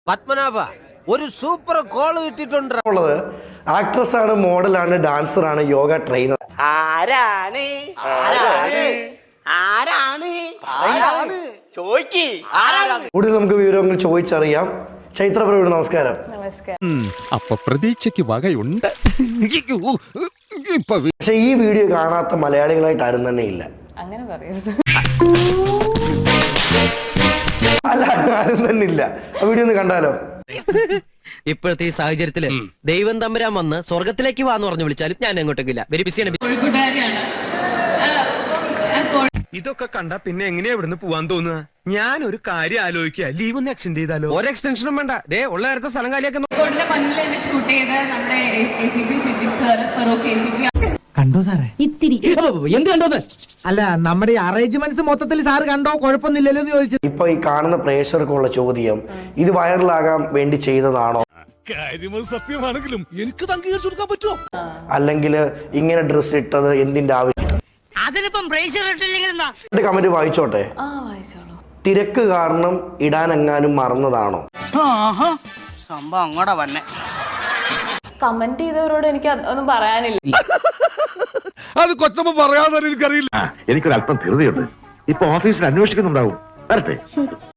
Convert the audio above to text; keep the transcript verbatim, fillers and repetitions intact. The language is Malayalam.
പത്മനാഭ ഒരു സൂപ്പർ കോൾ കിട്ടിയിട്ടുണ്ട്. ആക്ട്രസ് ആണ്, മോഡലാണ്, ഡാൻസർ ആണ്, യോഗ ട്രെയിനർ. ആരാണ് ആരാണ് ആരാണ് ആരാണ് ചോയ്ക്ക് ആരാണ്? കൂടുതൽ നമുക്ക് വിവരങ്ങൾ ചോദിച്ചറിയാം. ചൈത്ര പ്രവീൺ, നമസ്കാരം. അപ്പൊ പ്രതീക്ഷയ്ക്ക് വകയുണ്ട്. പക്ഷെ ഈ വീഡിയോ കാണാത്ത മലയാളികളായിട്ട് ആരും തന്നെ ഇല്ല. അങ്ങനെ പറയരുത്. അല്ല, ആരും തന്നെ ഇല്ല. ആ വീഡിയോ ഒന്ന് കണ്ടാലോ? ഇപ്പോഴത്തെ ഈ സാഹചര്യത്തില് ദൈവം തമ്പുരാൻ വന്ന് സ്വർഗത്തിലേക്ക് വാന്ന് പറഞ്ഞു വിളിച്ചാലും ഞാൻ എങ്ങോട്ടേക്കില്ല. വെരി ബിസിയാണ്. ഇതൊക്കെ കണ്ട പിന്നെ എങ്ങനെയാ ഇവിടുന്ന് പോവാൻ തോന്നുക? ഞാൻ ഒരു കാര്യം ആലോചിക്കുക, ലീവ് ഒന്ന് എക്സ്റ്റെൻഡ് ചെയ്താലോ? ഒരു എക്സ്റ്റൻഷനും വേണ്ട, ദേ ഉള്ള നേരത്തെ സ്ഥലം കാലിയൊക്കെ ഷൂട്ട് ചെയ്ത നമ്മുടെ A C P Siddique sir, Farook A C P കണ്ടോ സാറേ? ഇത്തിരി എന്ത് കണ്ടോന്ന്? അല്ല, നമ്മുടെ അറേഞ്ച്മെന്റ്സ് മൊത്തത്തിൽ സാറ് കണ്ടോ? കുഴപ്പമൊന്നുമില്ലല്ലോ എന്ന് ചോദിച്ചത്. ഇപ്പൊ ഈ കാണുന്ന പ്രേക്ഷകർക്കുള്ള ചോദ്യം, ഇത് വൈറലാകാൻ വേണ്ടി ചെയ്തതാണോ, സത്യമാണെങ്കിലും എനിക്ക് അംഗീകരിച്ചു കൊടുക്കാൻ പറ്റുമോ, അല്ലെങ്കിൽ ഇങ്ങനെ ഡ്രസ് ഇട്ടത് എന്തിന്റെ ആവശ്യം? കമന്റ് വായിച്ചോട്ടെ. ആ വായിച്ചോളൂ. തിരക്ക് കാരണം ഇടാനെങ്ങാനും മറന്നതാണോ? സംഭവം അങ്ങോട്ടാ വന്നെ. കമന്റ് ചെയ്തവരോട് എനിക്ക് ഒന്നും പറയാനില്ല. അത് കൊച്ചമ്മ പറയാതെ എനിക്കറിയില്ല. എനിക്കൊരല്പം ധൃതിയുണ്ട്. ഇപ്പൊ ഓഫീസിൽ അന്വേഷിക്കുന്നുണ്ടാവും. വരട്ടെ.